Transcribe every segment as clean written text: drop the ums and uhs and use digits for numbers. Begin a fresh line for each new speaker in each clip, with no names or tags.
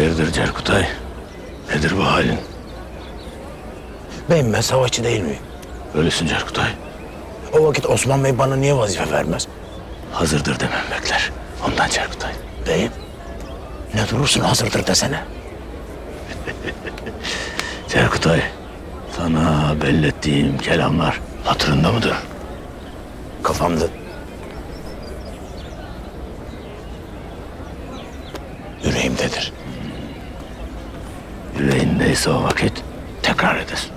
Hayırdır Cerkutay? Nedir bu halin?
Beyim ben savaşçı değil miyim?
Öylesin Cerkutay.
O vakit Osman Bey bana niye vazife vermez?
Hazırdır demem bekler. Ondan Cerkutay.
Beyim ne durursun hazırdır desene.
Cerkutay, sana bellettiğim kelamlar hatırında mıdır?
Kafamda. Yüreğimdedir.
Yüreğindeyse o vakit tekrar edesin.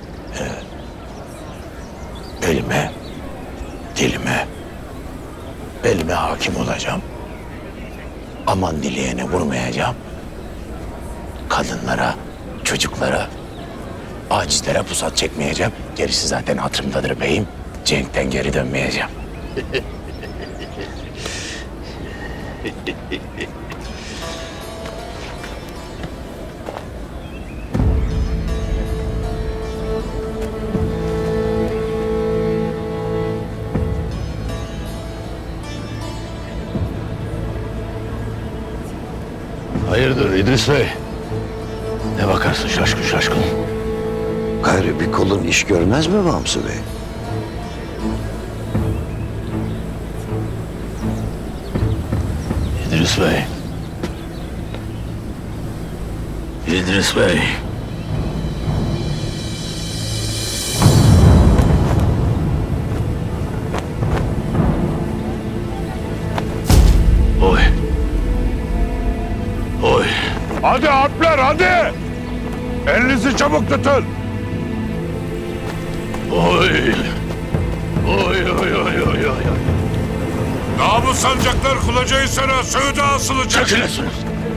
Elime, dilime, belime hakim olacağım. Aman dileyene vurmayacağım. Kadınlara, çocuklara, acizlere pusat çekmeyeceğim. Gerisi zaten hatırımdadır beyim. Cenk'ten geri dönmeyeceğim.
Hayırdır İdris Bey? Ne bakarsın şaşkın şaşkın?
Gayrı bir kolun iş görmez mi Bamsı Bey?
İdris Bey. İdris Bey. Oy. Oy.
Hadi atlar hadi. Elinizi çabuk tutun.
Oy. Oy oy oy oy oy.
Namus sancaklar Kulacahisar'a Söğüt'e asılacak.
Çekilesiniz.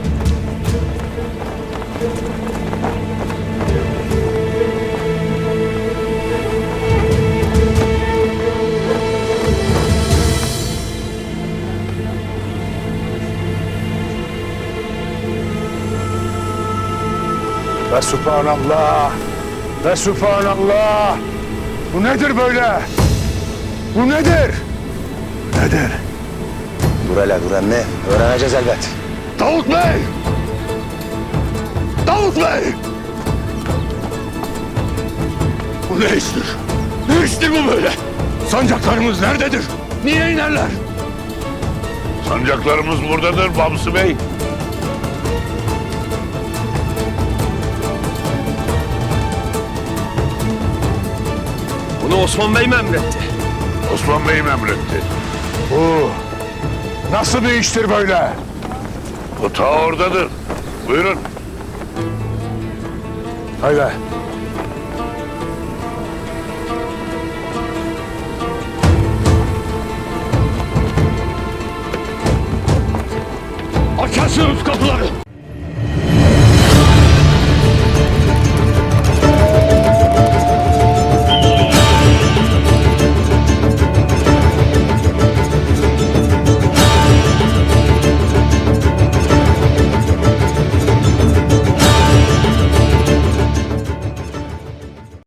Ve subhanallah. Ve subhanallah. Bu nedir böyle? Bu nedir? Nedir?
Dur hele dur emmi. Öğreneceğiz elbet.
Davut Bey! Davut Bey! Bu ne iştir? Ne iştir bu böyle? Sancaklarımız nerededir? Niye inerler?
Sancaklarımız buradadır Bamsı Bey.
Bunu Osman Bey mi emretti?
Osman Bey'im emretti.
Bu nasıl bir iştir böyle?
O ta oradadır. Buyurun.
Haydi.